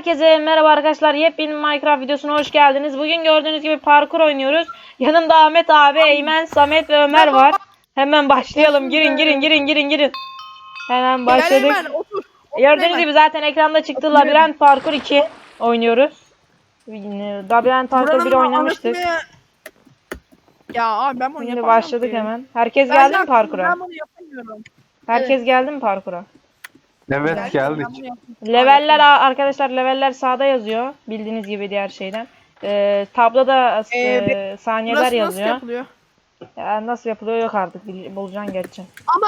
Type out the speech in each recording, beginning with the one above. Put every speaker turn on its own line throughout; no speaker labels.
Herkese merhaba arkadaşlar. Yepyeni Minecraft videosuna hoş geldiniz. Bugün gördüğünüz gibi parkur oynuyoruz. Yanımda Ahmet abi, Eymen, Samet ve Ömer var. Hemen başlayalım. Girin. Hemen
Gel
başladık.
Eymen otur.
Gördüğünüz gibi zaten ekranda çıktı. Labirent Parkur 2 oynuyoruz. Labirent Parkur 1 oynamıştık.
Ya abi ben bunu
Şimdi
yapamıyorum
başladık
ki.
hemen. Herkes
Ben
geldi mi
yaptım,
parkura?
Ben bunu yapamıyorum.
Herkes geldi mi parkura?
Evet
Ben
geldik.
bunu yapamıyorum.
Leveller arkadaşlar, leveller sağda yazıyor. Bildiğiniz gibi diğer şeyden. Tabloda saniyeler
Burası nasıl
yazıyor.
yapılıyor?
Ya nasıl yapılıyor yok artık. Bulacaksın geçeceksin.
Ama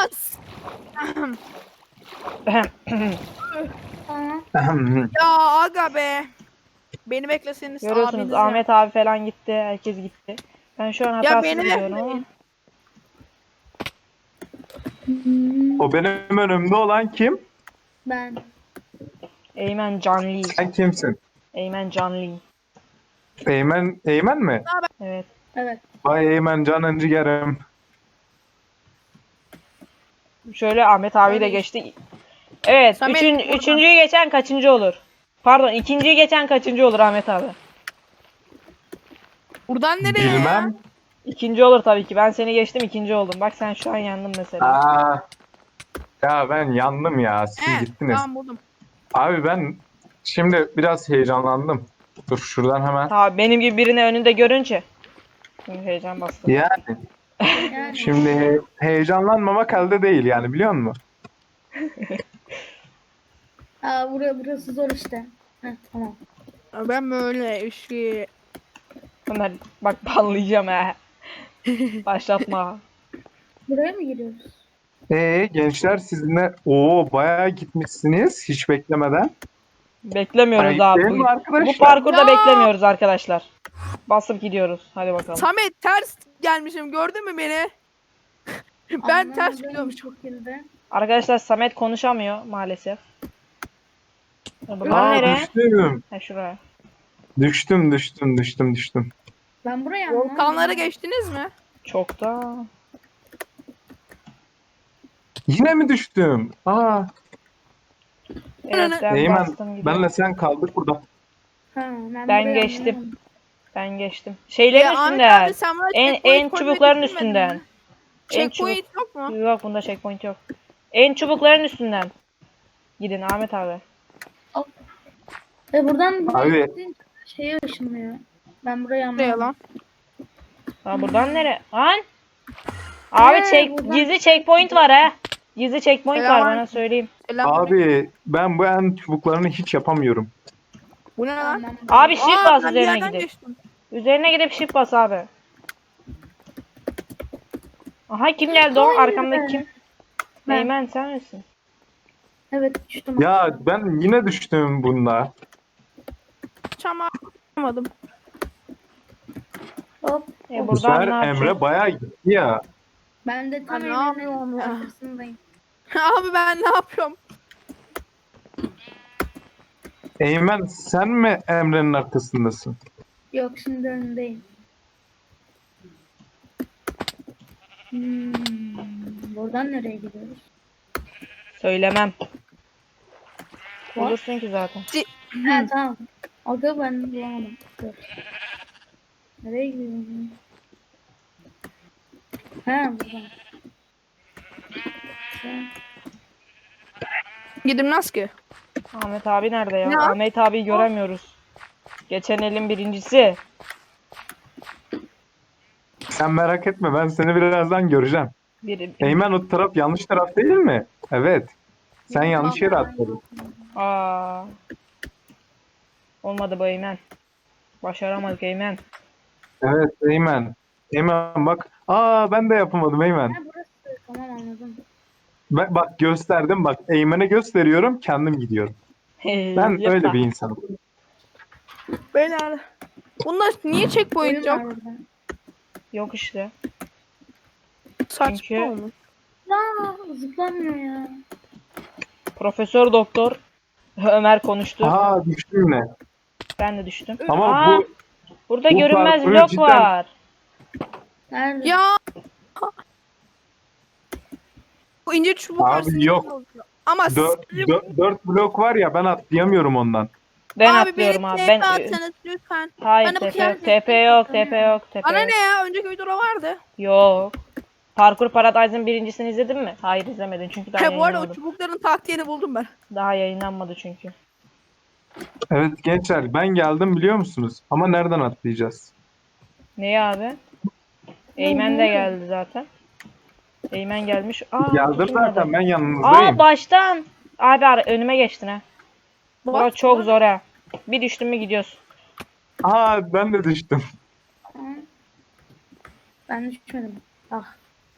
ya aga be. Beni bekleseniz
Görüyorsunuz
abiniz
Ahmet abi falan gitti. Herkes gitti. Ben şu an hatasız
beni
gidiyorum ama.
bekleyin.
O benim önümde olan kim?
Ben.
Eymen Canli.
Sen kimsin?
Eymen Canli.
Eymen mi?
Evet.
Evet.
Vay Eymen canın ciğerim.
Şöyle Ahmet abi de
Öyle
geçti. Evet.
Samet, buradan.
Üçüncüyü geçen kaçıncı olur? Pardon, ikinciyi geçen kaçıncı olur Ahmet abi?
Buradan nereye
Bilmem.
İkinci olur tabii ki. Ben seni geçtim, ikinci oldum. Bak sen şu an yandın mesela.
Aa, ya ben yandım ya. Siz
ya?
gittiniz.
Tamam buldum.
Abi ben şimdi biraz heyecanlandım. Dur şuradan hemen.
Tabii benim gibi birini önünde görünce. Şimdi heyecan bastı.
Yani
Yani.
şimdi heyecanlanmamak elde değil yani biliyor musun?
Burası zor işte. Heh, tamam.
Ya ben böyle işi.
Ömer bak banlayacağım ha. Başlatma.
Buraya mı giriyoruz?
Gençler sizinle bayağı gitmişsiniz hiç beklemeden.
Beklemiyoruz
Ayıp
abi.
değil mi arkadaşlar?
Bu parkurda
Ya!
beklemiyoruz arkadaşlar. Basıp gidiyoruz. Hadi bakalım.
Samet ters gelmişim gördün mü beni? Ben ters
Anlamadığım
gidiyormuşum.
şekilde.
Arkadaşlar Samet konuşamıyor maalesef. Buradan
Aa
nereye?
düştüm.
Ha şuraya.
Düştüm.
Ben buraya
Volkanları
anlamadım.
geçtiniz mi?
Çok da.
Yine mi düştüm?
Evet ben
Eymen
bastım gidiyorum.
benle sen kaldık burada.
Ben
Ben
burayı
geçtim.
anlamadım.
Ben geçtim. Şeylerin
Ahmet
üstünden.
abi sen bana
En
checkpoint koymayı
çubukların
düşünmedin
üstünden.
mi?
En
Checkpoint yok mu?
Yok bunda checkpoint yok. En çubukların üstünden. Gidin Ahmet abi.
Buradan buraya
Abi.
gittiğin şeye ışınlıyor. Ben burayı
Nereye
anlamadım.
lan?
Ha buradan nereye? Lan? Abi
Buradan-
gizli checkpoint var ha. Gizli checkpoint var
Selam.
bana söyleyeyim.
Abi ben bu en çubuklarını hiç yapamıyorum.
Bu ne lan?
Tamam.
Abi shift bas
Ben bir
üzerine
yerden
gidip.
geçtim.
Üzerine gidip shift bas abi. Aha kim geldi o?
Hayır
Arkamdaki
be.
kim?
Ben.
Eymen sen misin?
Evet düştüm.
Ya ben yine düştüm bunda.
Çamamadım.
Hop.
E
Bu
buradan
sefer
ne yapacağız?
Emre bayağı gitti ya.
Ben de tam
Ben ne
Emre'nin
yapıyorum ya?
arkasındayım.
Abi ben ne yapıyorum?
Eymen sen mi Emre'nin arkasındasın?
Yok şimdi önündeyim. Buradan nereye gidiyoruz?
Söylemem. Bulursun ki zaten.
Ha tamam. Aga ben bulamadım. Dur. Nereye gidiyorum? Ha buradan.
Gidilmez ki.
Ahmet abi nerede ya?
Ne?
Ahmet abi göremiyoruz. Geçen elin birincisi.
Sen merak etme ben seni birazdan göreceğim. Eymen o taraf yanlış taraf değil mi? Evet. Sen yanlış yere atladın.
Aa. Olmadı bu Eymen. Başaramadık Eymen.
Evet Eymen. Eymen bak. Ben de yapamadım Eymen.
Ha burası. Tamam anladım.
Bak gösterdim bak. Eymen'e gösteriyorum kendim gidiyorum. Ben
Yapma.
öyle bir insanım.
Beyler. Bunda niye checkpoint
Oyun var
yok?
burada.
Yok işte.
Saçma
Çünkü-
olmuş.
Zıplamıyor ya.
Profesör Doktor Ömer konuştu.
Düştüm yine.
Ben de düştüm.
Ama
Aa,
bu
burada
bu
görünmez
parkuru
blok
cidden-
var.
Nerede?
Ya. Bu ince çubuk
Abi
var, sinir
yok.
bozuyor. Ama
4 blok var ya ben atlayamıyorum ondan.
Ben
abi
atlıyorum
beni
abi.
TP
Ben
atsanız lütfen.
hayır
Bana bu
TP yok.
kıyafet
TP yok.
takın
TP
ya.
yok. TP
Bana
yok.
ne ya? Önceki videoda vardı.
Yok. Parkur Paradise'ın birincisini izledin mi? Hayır izlemedin çünkü daha
Bu arada o
yayınlanmadı.
çubukların taktiğini buldum ben.
Daha yayınlanmadı çünkü.
Evet gençler ben geldim biliyor musunuz? Ama nereden atlayacağız?
Neyi abi? Eymen de geldi zaten. Eymen gelmiş.
Geldim
tutulmadı.
zaten ben yanınızdayım.
Baştan. Abi önüme geçtin ha. Bura
Bak,
çok
bak.
zor ha. Bir düştün mü gidiyorsun.
Ben de düştüm.
Ben düşmedim. Ah.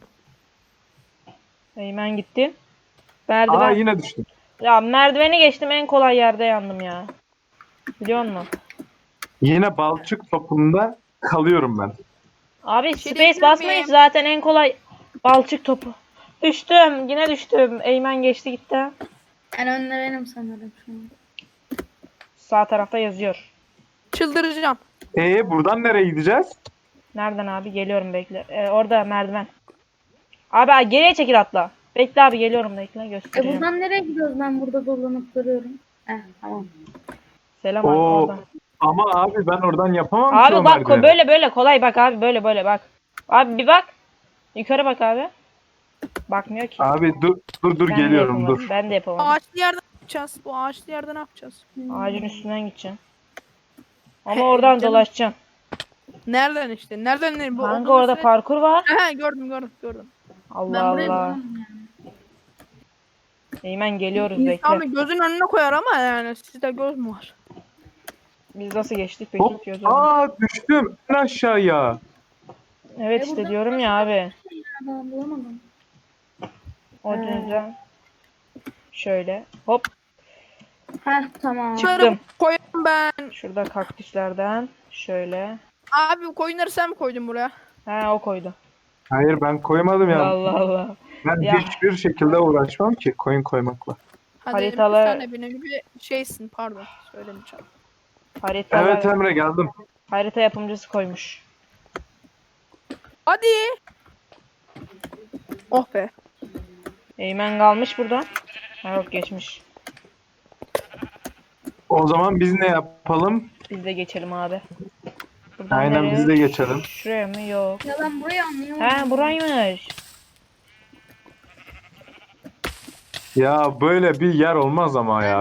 Eymen gitti. Merdiven.
Yine düştüm.
Ya merdiveni geçtim en kolay yerde yandım ya. Biliyor musun?
Yine balçık topunda kalıyorum ben.
Abi
şey
space
diyebilir
basmayın
miyim?
zaten en kolay balçık topu. Düştüm. Yine düştüm. Eymen geçti gitti.
En önde benim sanırım şu an.
Sağ tarafta yazıyor.
Çıldıracağım.
Buradan nereye gideceğiz?
Nereden abi? Geliyorum bekle. Orada merdiven. Abi geriye çekil atla. Bekle abi geliyorum bekle göstereceğim.
Buradan nereye gidiyoruz? Ben burada dolanıp duruyorum. Tamam.
Selam abi
Oo,
oradan.
ama abi ben oradan yapamam ki
Abi
o
bak
merdiveni.
böyle kolay bak abi böyle bak. Abi bir bak. Yukarı bak abi. Bakmıyor ki.
Abi dur
Ben de
geliyorum
yapamadım.
dur.
Ben de yapamadım.
Ağaçlı yerden ne yapacağız? Bu ağaçlı yerde ne yapacağız?
Ağacın üstünden gideceğim. Ama
He,
oradan
canım.
dolaşacağım.
Nereden işte? Nereden ne? Bu
Kanka
olduğunu
orada
söyle-
parkur var.
Aha, gördüm.
Allah
Ben burayı
Allah.
bulamam yani.
Eymen geliyoruz
İnsan
bekle.
bir gözün önüne koyar ama yani sizde göz mü var?
Biz nasıl geçtik peki?
Hop.
Göz önünde.
Düştüm en aşağıya.
Evet işte
burada
diyorum ya abi.
Ya, ben bulamadım.
O yüzden şöyle hop
Tamam.
çıktım.
Koyarım ben.
Şurada kaktüslerden şöyle.
Abi bu koyunları sen mi koydun buraya?
O koydu.
Hayır ben koymadım ya.
Allah Allah.
Ben
Ya.
hiçbir şekilde uğraşmam ki koyun koymakla.
Hadi
Haritalar-
sen de benim gibi şeysin pardon söylemeyeceğim.
Haritalar,
Evet Emre geldim.
harita yapımcısı koymuş.
Hadi. Oh be.
Eymen kalmış burada. Yok geçmiş.
O zaman biz ne yapalım?
Biz de geçelim abi. Buradan
Aynen
nereye?
biz de geçelim.
Şuraya mı? Yok.
Ya ben burayı anlayamadım.
Buraymış.
Ya böyle bir yer olmaz ama ya.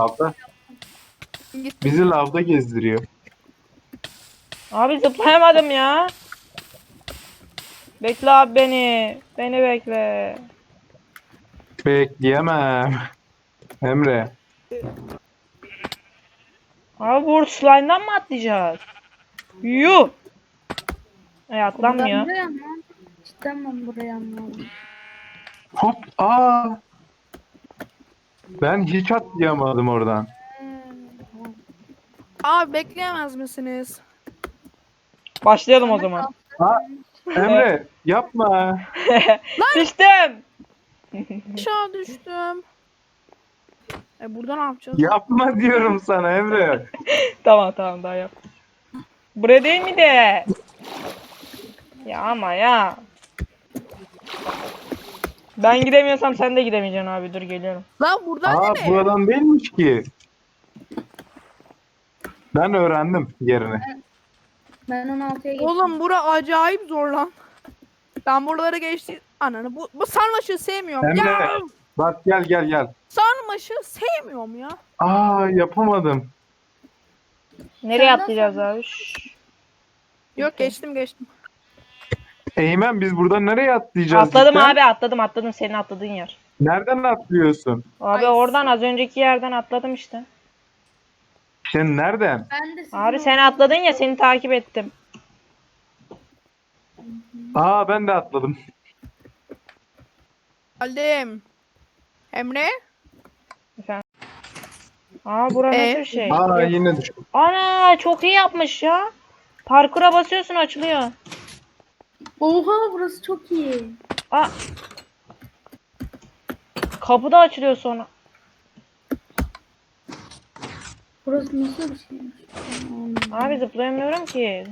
Git.
Bizi lavda gezdiriyor.
Abi zıplayamadım ya. Bekle abi beni. Beni bekle.
Bekleyemem. Emre.
Abi bu slime'dan mı atlayacağız? Yuh.
Ben
Atlanmıyor.
burayı anlamadım. Cidden ben burayı anlamadım.
Hop. Ben hiç atlayamadım oradan.
Tamam.
Abi bekleyemez misiniz?
Başlayalım o zaman.
Emre yapma.
Düştüm.
Aşağı düştüm. Burada ne yapacağız?
Yapma diyorum sana Emre.
Tamam daha yap. Buraya değil mi de? Ya ama ya. Ben gidemiyorsam sen de gidemeyeceksin abi. Dur geliyorum.
Lan buradan nereye?
Buradan değilmiş ki. Ben öğrendim yerini.
Ben 16'ya geçtim.
Oğlum bura acayip zor lan. Ben buralara geçti. Ananı bu sarmaşığı sevmiyorum.
Emre.
Ya
Bak gel.
sarmaşığı sevmiyorum ya.
Yapamadım.
Nereye
Sen
atlayacağız
nasıl-
abi? Şşş.
Yok geçtim.
Eymen biz buradan nereye atlayacağız?
Atladım
cidden?
abi atladım senin atladığın yer.
Nereden atlıyorsun?
Abi
Ay.
oradan az önceki yerden atladım işte.
Sen nereden?
Ben de sizin
Abi sen atladın ya seni takip ettim.
Ben de atladım.
Geldim. Emre?
Bura nasıl bir şey?
Yine düştüm.
Ana çok iyi yapmış ya. Parkura basıyorsun açılıyor.
Oha burası çok iyi.
Aa. Kapı da açılıyor sonra.
Burası nasıl bir şeymiş?
Abi zıplayamıyorum ki.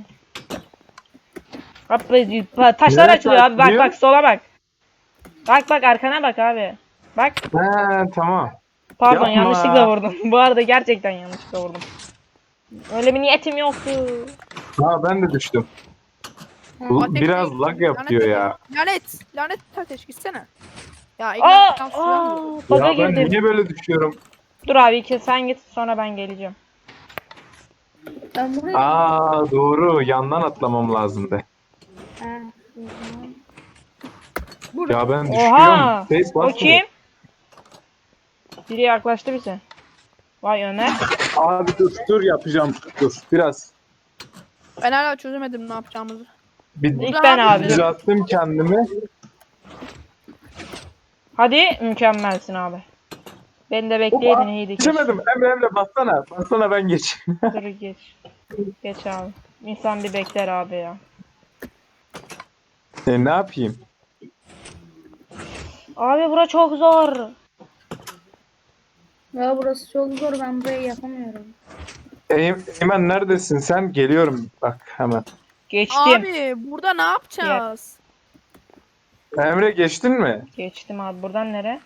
Abi, taşlar
Nereye
açılıyor abi bak
açılıyor?
sola bak. Bak arkana bak abi. Bak
Tamam.
Pardon
Yapma.
yanlışlıkla vurdum. Bu arada gerçekten yanlışlıkla vurdum. Öyle bir niyetim yoktu.
Ha ben de düştüm.
Ateş
Biraz
değil.
lag yapıyor
Lanet
ya.
ateş. Lanet ateş gitsene. Ya
Aa,
İlhan suya mı?
baga
Ya ben
girdim.
niye böyle düşüyorum?
Dur abi sen git sonra ben geleceğim.
Ben buraya...
Aa doğru. Yandan atlamam lazımdı.
Ha, o zaman.
Ya ben düşüyorum.
Oha!
Face
O
basmıyor.
kim? Biri yaklaştı bize. Vay Ömer.
Abi dur yapacağım. Dur biraz.
Ben hala çözemedim ne yapacağımızı.
Bir
İlk ben abi.
düzelttim kendimi.
Hadi mükemmelsin abi. Beni de bekleydin iyiydi keşke.
Geçemedim. Emre bassana. Bassana ben geçeyim.
Dur geç. Geç abi. İnsan bir bekler abi ya.
Ne yapayım?
Abi bura çok zor.
Ya burası çok zor. Ben burayı yapamıyorum.
Eymen neredesin sen? Geliyorum bak hemen.
Geçtim.
Abi burada ne yapacağız?
Emre geçtin mi?
Geçtim abi. Buradan nere?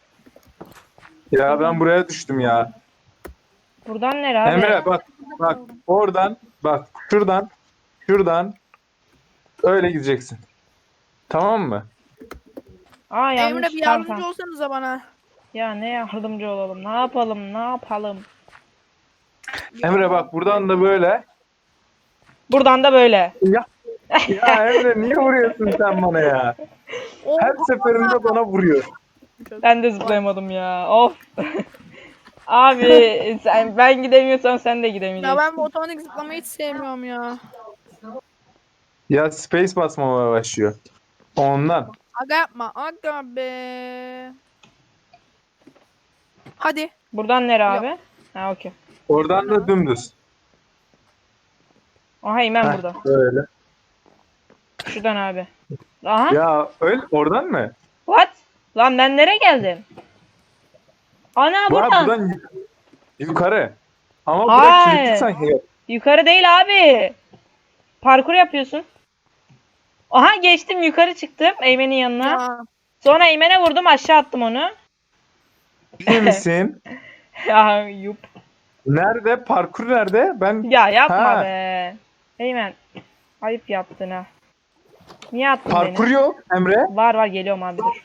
Ya ben buraya düştüm ya.
Buradan nere abi?
Emre bak oradan bak şuradan öyle gideceksin. Tamam mı?
Aa yanlış.
Emre bir
Tamam,
yardımcı
tamam.
olsanıza bana.
Ya ne yardımcı olalım? Ne yapalım? Ne yapalım?
Emre bak buradan da böyle.
Buradan da böyle.
Ya Emre niye vuruyorsun sen bana ya?
Oh,
Her seferinde bana vuruyor.
Ben de zıplayamadım ya. Of. Abi ben gidemiyorsam sen de
Ya
gidemeyeceksin.
ben bu otomatik zıplamayı hiç sevmiyorum ya.
Ya space basmamaya başlıyor. Ondan.
Aga yapma. Aga be. Hadi.
Buradan nere abi? Ha okey.
Oradan da dümdüz.
Aha hemen
Heh,
burada.
böyle.
Şuradan abi. Aha.
Ya öyle oradan mı?
What? Lan ben nereye geldim? Ana
Bu
buradan.
buradan yukarı. Ama buraya
Hayır.
kilitli sanki.
Yukarı değil abi. Parkur yapıyorsun. Aha geçtim yukarı çıktım Eymen'in yanına.
Ya.
Sonra Eymen'e vurdum aşağı attım onu.
İyi misin?
Ya yup.
Nerede? Parkur nerede? Ben
Ya yapma
Ha.
be. Eymen. Ayıp yaptın ha. Niye attın
parkur
beni?
yok Emre.
Var geliyorum abi dur.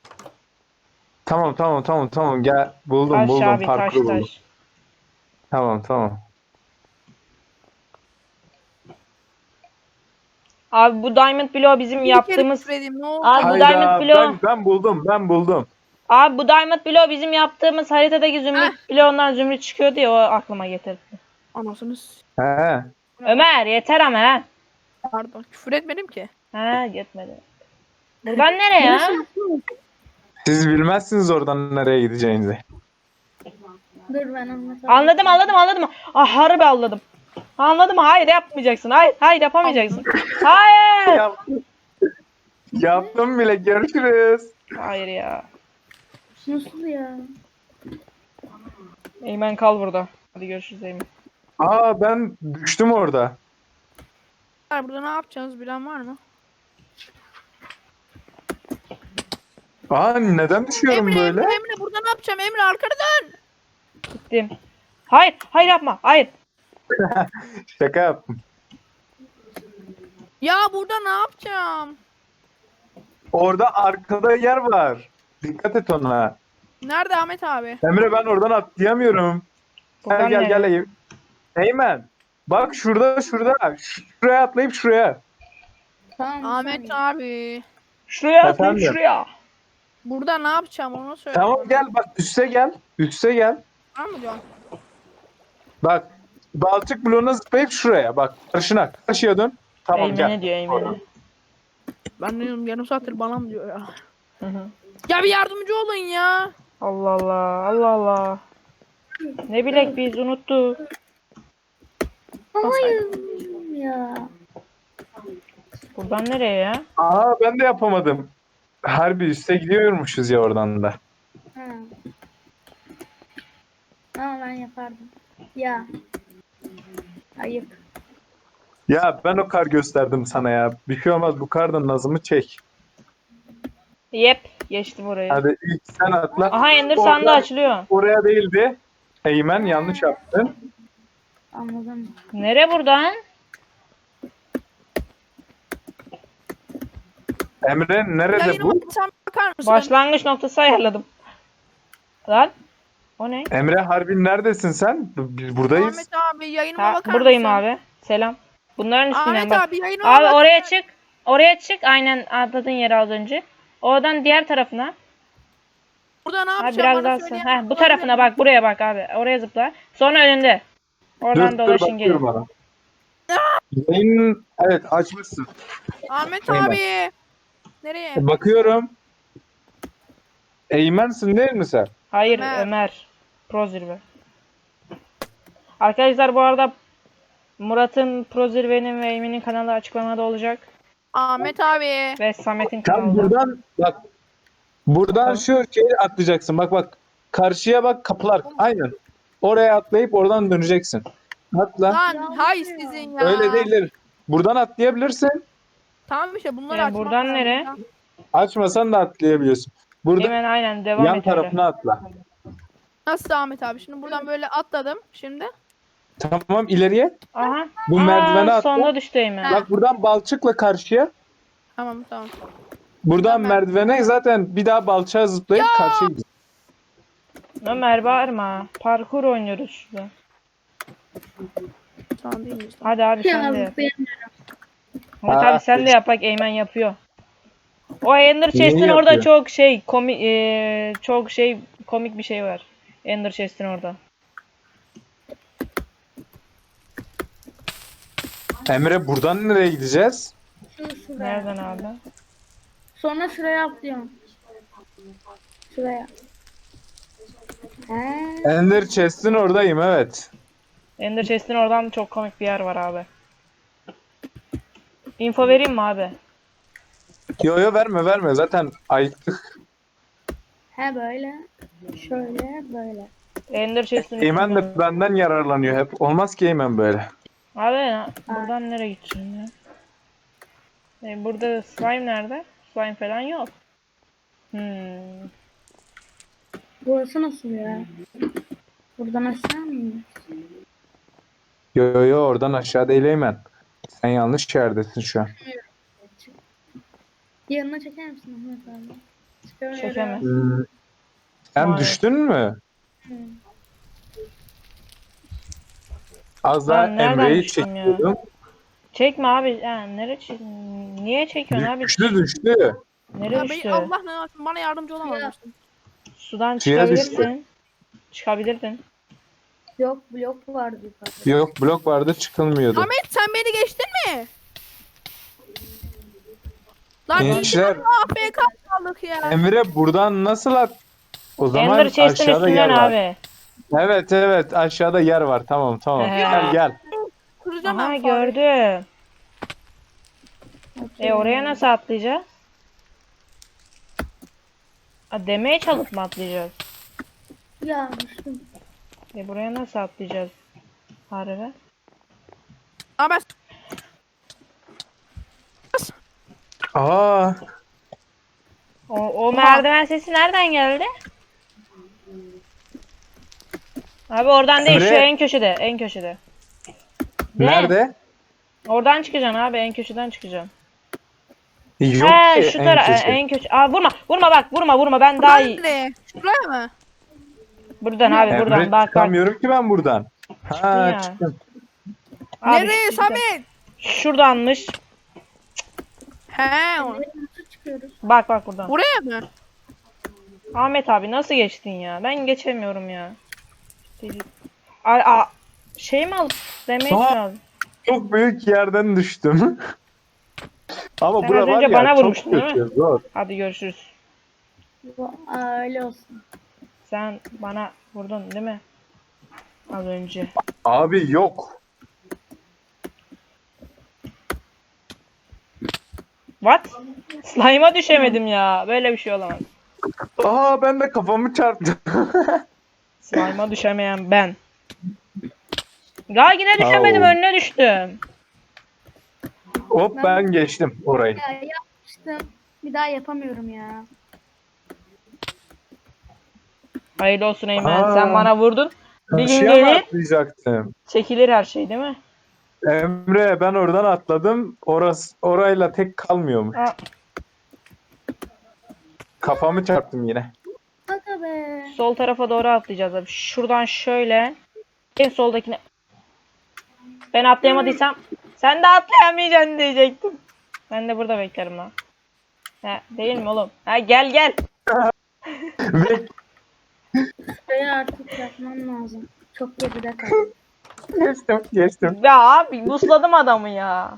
Tamam gel. Buldum
Taş
buldum
abi taş
parkuru buldum.
taş.
Tamam.
Abi bu Diamond Block bizim yaptığımız...
Bir kere küfredeyim, ne oldu?
Abi bu
Hayda
Diamond Block...
ben buldum.
Abi bu Diamond Block bizim yaptığımız haritadaki zümrüt bloğundan zümrüt çıkıyordu ya o aklıma getirdi.
Anasını
He.
Ömer yeter ama ha.
pardon. Küfür etmedim ki.
Ha gitmedi. Buradan nereye ya?
Siz bilmezsiniz oradan nereye gideceğinizi.
Dur ben anlatayım.
Anladım. Ah harbi anladım. Anladım hayır yapmayacaksın. Hayır yapamayacaksın. Hayır.
Yaptım bile görüşürüz.
Hayır ya.
Nasıl ya?
Eymen kal burada. Hadi görüşürüz Eymen.
Aa ben düştüm orada.
Burada ne yapacağız bilen var mı?
Aa neden düşüyorum
Emre,
böyle?
Emre burada ne yapacağım? Emre arkana dön.
Gittim. Hayır yapma. Hayır.
Şaka yaptım.
Ya burada ne yapacağım?
Orada arkada yer var. Dikkat et ona.
Nerede Ahmet abi?
Emre ben oradan atlayamıyorum.
Buradan
Gel
nereye?
Eyüp. Eymen. Bak şurada. Şuraya atlayıp şuraya.
Tamam. bir
Ahmet
saniye.
abi.
Şuraya atlayayım
Efendim?
şuraya.
Burada ne yapacağım onu söyle.
Tamam gel bak üste gel. Üste gel.
Var mı diyorsun?
Bak balçık bloğuna zıplayıp şuraya. Bak karşıya dön. Tamam
Eymen'e
gel.
diyor Eymen'e.
Ben diyorum yarım saattir bana mı diyor ya.
Hı hı.
Ya bir yardımcı olun ya.
Allah. Ne bilek biz unuttuk.
Hayır ya.
Buradan nereye ya?
Aa ben de yapamadım. Harbi üste gidiyormuşuz ya oradan da.
Ha. Ama ben yapardım. Ya. Ayıp.
Ya ben o kar gösterdim sana ya. Bir şey olmaz bu kardan nazımı çek.
Yep. Geçtim orayı.
Hadi ilk sen atla.
Aha Ender sandığı açılıyor.
Oraya değildi. Eymen yanlış yaptın.
Anladım.
Nere buradan?
Emre nerede
Yayınıma
bu?
sen bakar mısın?
Başlangıç noktası ayarladım. Lan. O ne?
Emre Harbin neredesin sen? Biz buradayız.
Ahmet abi yayınıma
Ha,
bakar
buradayım
mısın?
abi. Selam. Bunların üstünden
Ahmet
bak.
abi yayınıma
Abi
bak.
oraya çık. Oraya çık. Aynen atladığın yere az önce. Oradan diğer tarafına.
Burada ne
Ha,
yapacağım
biraz
bana
daha
söyleyen
Ha, bu
olabilir
tarafına
mi?
bak. Buraya bak abi. Oraya zıpla. Sonra önünde. Oradan
Dur
dolaşın
bakıyorum
gelin.
bana. Yayın evet açmışsın.
Ahmet
Eymen.
abi. Nereye?
Bakıyorum. Eymen'sin değil mi sen?
Hayır
Ömer.
Ömer. Pro zirve. Arkadaşlar bu arada Murat'ın Pro zirvenin ve Emin'in kanalı açıklamada olacak.
Ahmet abi.
Ve Samet'in
Tam
kanalı.
buradan bak. Buradan
Tamam.
şu şeyi atlayacaksın. Bak bak. Karşıya bak kapılar. Aynen. Oraya atlayıp oradan döneceksin. Atla.
Lan
Ya,
hay
bu ne ya?
sizin ya.
Öyle değildir. Buradan atlayabilirsin.
Tamam işte bunları
Yani
açmak
buradan
lazım
nereye?
ya.
Açmasan da atlayabiliyorsun. Burada
Hemen aynen devam
yan
et öyle.
tarafına atla.
Nasıl Ahmet abi? Şimdi buradan böyle atladım. Şimdi.
Tamam ileriye.
Aha.
Bu merdivene atla.
Sonda düştü Eymen.
Bak buradan balçıkla karşıya.
Tamam.
Buradan
Buradan
merdivene zaten bir daha balçağa zıplayıp karşıya gideceksin.
Ömer bağırma. Parkur oynuyoruz şurada.
Tamam değil mi?
Hadi abi sen
Ya
de yap.
benim
Ahmet abi sen de yap bak Eymen yapıyor. O Ender
Neyi
Chest'in orada
yapıyor?
çok şey komik çok şey komik bir şey var. Ender Chest'in orada.
Emre buradan nereye gideceğiz?
şuraya.
Nereden abi?
Sonra şuraya atlıyorum. Şuraya. He.
Ender Chest'in oradayım evet.
Ender Chest'in oradan çok komik bir yer var abi. Info vereyim mi abi?
Yo verme zaten ayıktık.
He böyle. Şöyle böyle.
Ender Chest'in
Eymen
üstünden.
de benden yararlanıyor hep. Olmaz ki Eymen böyle.
Abi buradan nereye gideceğim ya? Burada slime nerede? Slime falan yok.
Burası nasıl ya? Buradan aşağı mı iniyoruz?
Yo oradan aşağı değil Eymen. Sen yanlış yerdesin şu an.
Yanına çeker misin Ahmet abi? Çıkamıyorum.
Çekemez.
Sen
Maalesef.
düştün mü?
Hı.
Az daha
Ben nereden
Emre'yi
düştüm ya?
çekiyordum.
Çekme abi. Niye çekiyorsun abi?
Düştü.
Nereye
Ya
düştü?
Allah ne yapsın bana yardımcı olamazsın.
Sudan
Suya düştü.
çıkabilirsin. Çıkabilirdin.
Yok blok vardı yukarıda.
Yok blok vardı çıkılmıyordu.
Ahmet sen beni geçtin mi? Lan
Gençler
AFK kaldık ya.
Emre buradan nasıl at? O zaman
Ender Chest'in
aşağıda yer
üstünden
var.
abi.
Evet aşağıda yer var. Tamam. Gel.
Kıracağım
Aha
ben fareyi.
gördüm. Oraya nasıl atlayacağız? Demeye çalıp mı atlayacağız?
Ya düştüm.
Buraya nasıl atlayacağız? Harbi.
Ama
Aa,
O merdiven sesi nereden geldi? Abi oradan değil,
Emre.
şu en köşede, en köşede. De,
nerede?
Oradan çıkacaksın abi, en köşeden çıkacaksın.
Yok
He,
ki
şu
en
taraf,
köşe.
en köşe. Aa vurma bak, vurma ben daha iyi.
nerede? Şuraya mı?
Buradan abi,
Emre
buradan bak.
çıkamıyorum ki ben buradan. Ha
ya.
çıktım.
Abi,
Nereye Samet?
şuradanmış.
He.
Nasıl çıkıyoruz?
Bak buradan.
Buraya mı?
Ahmet abi nasıl geçtin ya? Ben geçemiyorum ya. Şey mi alıp demeye
Aa.
lazım.
Çok büyük yerden düştüm. Ama
Sen
bura
az
var
önce
ya
bana
çok
vurmuştun, değil
kötü. Zor.
Hadi görüşürüz.
Öyle olsun.
Sen bana vurdun değil mi? Az önce.
Abi yok.
What? Slime'a düşemedim ya. Böyle bir şey olamaz.
Aa ben de kafamı çarptım.
Slime'a düşemeyen ben. Ya yine düşemedim,
Au.
önüne düştüm.
Hop ben geçtim orayı.
Ya yapmıştım. Bir daha yapamıyorum ya.
Hayırlı olsun Eymen.
Aa.
Sen bana vurdun. Bir gün
Karşıya mı
gelir
atlayacaktım?
çekilir her şey değil mi?
Emre ben oradan atladım. Orayla tek kalmıyormuş.
Aa,
Kafamı çarptım yine.
Aga be.
sol tarafa doğru atlayacağız abi. Şuradan şöyle. En soldakine. Ben atlayamadıysam sen de atlayamayacaksın diyecektim. Ben de burada beklerim lan. Ha, değil mi oğlum? Ha, gel gel.
Ve
Şurayı artık yapmam lazım. Çok geride kaldım.
geçtim.
Ya abi busladım adamı ya.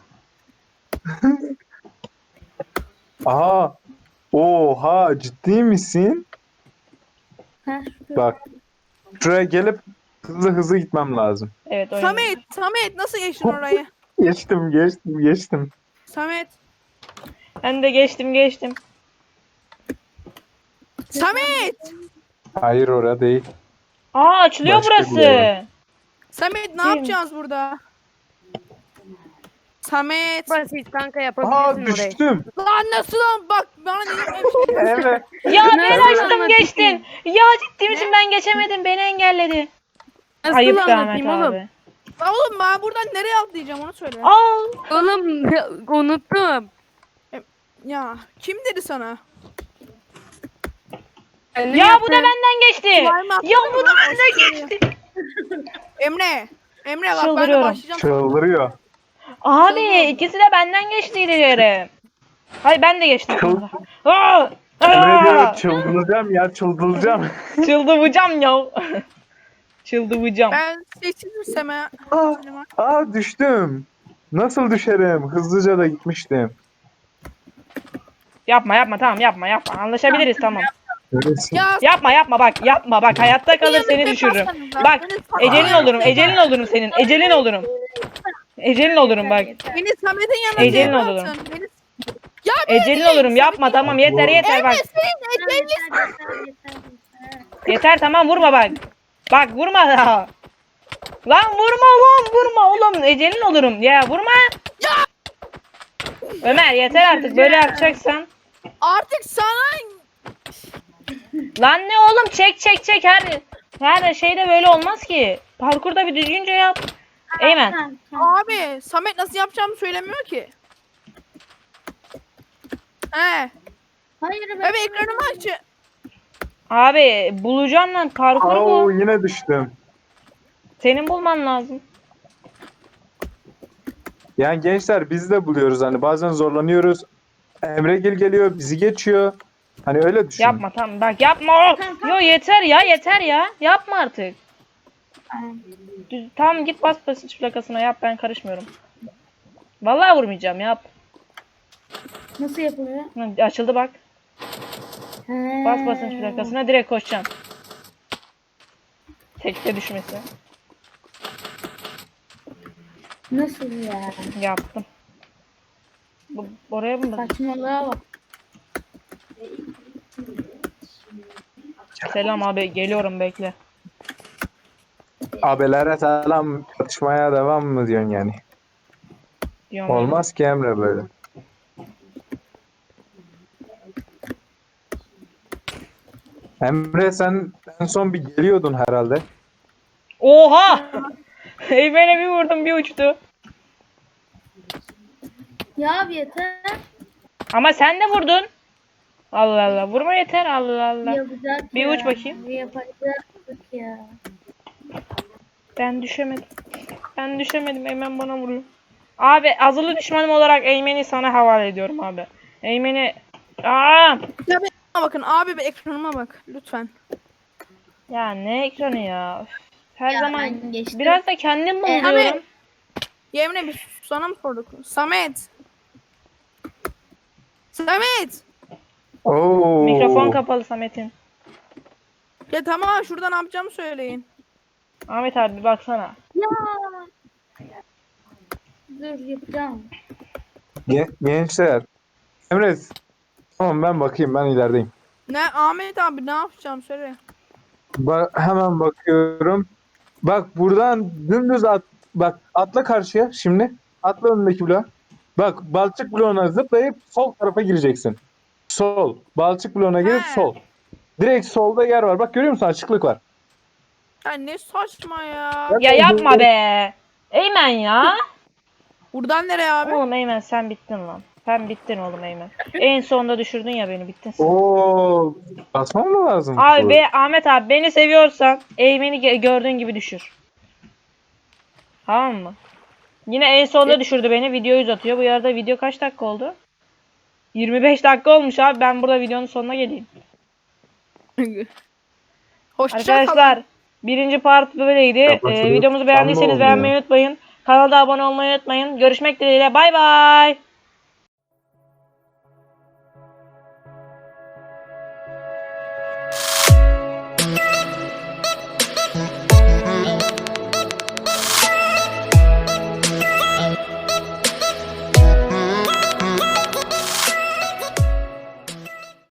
Aa, oha ciddi misin?
Ha, şu
Bak şuraya gelip hızlı gitmem lazım.
Evet oyun.
Samet nasıl geçtin orayı?
Geçtim.
Samet.
Ben de geçtim.
Samet.
Hayır orada değil.
Aa açılıyor
Başka bir
burası.
yere.
Samet ne
Kim?
yapacağız burada? Samet.
Basit kanka
Aa
yapabilirsin orayı.
düştüm.
Lan nasıl lan? Bak bana ne
Evet.
Ya ben
Nasıl
açtım
anlatayım?
geçtin. Ya ciddi misin ben geçemedim beni engelledi.
Nasıl
Ayıp be Ahmet
anlatayım oğlum?
abi.
Oğlum ben buradan nereye atlayacağım onu söyle.
Al.
Oğlum unuttum.
Ya kim dedi sana?
Ya bu da benden geçti.
Slime
Ya
atladın
bu
mı
da
lan?
benden geçti.
Emre. Emre bak ben de
Çıldırıyorum.
başlayacağım.
Çıldırıyor.
Abi ikisi de benden geçtiydi yere. Hayır ben de geçtim.
Çıl-
Aa!
Emre diyor
Aa!
çıldıracağım.
Çıldıracağım ya. Çıldıracağım.
Ben sessizim ha.
Aa düştüm. Nasıl düşerim? Hızlıca da gitmiştim.
Yapma tamam yapma. Anlaşabiliriz tamam.
Neresi?
Ya
Yapma bak hayatta kalır seni düşürürüm. Bak ecelin olurum senin. Ecelin olurum bak.
Beni Samet'in yanına
Ecelin
niye
olurum.
bıraktın? Ya
Ecelin olurum yapma tamam yeter bak.
yeter, yeter.
Yeter tamam vurma bak. Bak vurma daha. Lan vurma oğlum ecelin olurum ya vurma. Ömer yeter artık böyle yapacaksan.
artık sana
Lan ne oğlum çek her şeyde böyle olmaz ki. Parkurda bir düzgünce yap. Eymen.
Tamam.
abi Samet nasıl yapacağımı söylemiyor ki. He.
Hayır be.
Evet ekranımı aç.
Abi bulacağım lan parkur
Oo
bu.
yine düştüm.
Senin bulman lazım.
Yani gençler biz de buluyoruz hani bazen zorlanıyoruz. Emre geliyor bizi geçiyor. Hani öyle düşün.
Yapma tamam bak yapma. Yo yeter ya. Yapma artık.
Tamam.
Tamam git bas basınç plakasına yap ben karışmıyorum. Vallahi vurmayacağım yap.
Nasıl yapılıyor?
Hı, açıldı bak.
He.
Bas basınç plakasına direkt koşacaksın. Tekte düşmesi.
Nasıl ya?
Yaptım. Oraya mı?
Saçmalığa bak.
Selam abi geliyorum bekle.
Abelere selam tartışmaya devam mı diyorsun yani?
Diyorum
Olmaz ki Emre böyle. Emre sen en son bir geliyordun herhalde.
Oha! Eymen'e bir vurdum bir uçtu.
Ya abi yeter.
Ama sen de vurdun. Allah Allah vurma yeter Allah Allah.
Yapacak
Bir
ya.
uç bakayım.
Yapacaktık ya.
Ben düşemedim Eymen bana vuruyor. Abi azılı düşmanım olarak Eymen'i sana havale ediyorum abi. Eymen'i... Aa!
Ya bakın abi bir ekranıma bak lütfen.
Ya ne ekranı ya. Üf, her
Ya
zaman
ben geçtim.
biraz da kendim
Abi.
buluyorum.
Yemine bir sana mı sorduk? Samet. Samet.
Oo.
Mikrofon kapalı Samet'in.
Ya tamam şurada ne yapacağımı söyleyin.
Ahmet abi bir baksana.
Ya. Dur yapacağım.
Gençler. Emre tamam ben bakayım ben ilerideyim.
Ne Ahmet abi ne yapacağım söyle.
Hemen bakıyorum. Bak buradan dümdüz bak atla karşıya şimdi. Atla önündeki bloğa. Bak balçık bloğuna zıplayıp sol tarafa gireceksin. Sol. Balçık bloğuna girip
He.
sol. Direkt solda yer var. Bak görüyor musun? Açıklık var.
Ya ne saçma ya.
Ya yapma be. Eymen ya.
Buradan nereye abi?
Oğlum Eymen sen bittin lan. Sen bittin oğlum Eymen. En sonunda düşürdün ya beni, bittin sen.
Oo, basmam mı lazım?
Abi Ahmet abi beni seviyorsan Eymen'i gördüğün gibi düşür. Tamam mı? Yine en sonunda düşürdü beni. Videoyu uzatıyor. Bu arada video kaç dakika oldu? 25 dakika olmuş abi. Ben burada videonun sonuna geleyim.
Hoşça
Arkadaşlar birinci part böyleydi.
Kapatılıyor.
Videomuzu beğendiyseniz
Sanma
beğenmeyi unutmayın. Kanala abone olmayı unutmayın. Görüşmek dileğiyle. Bay bay.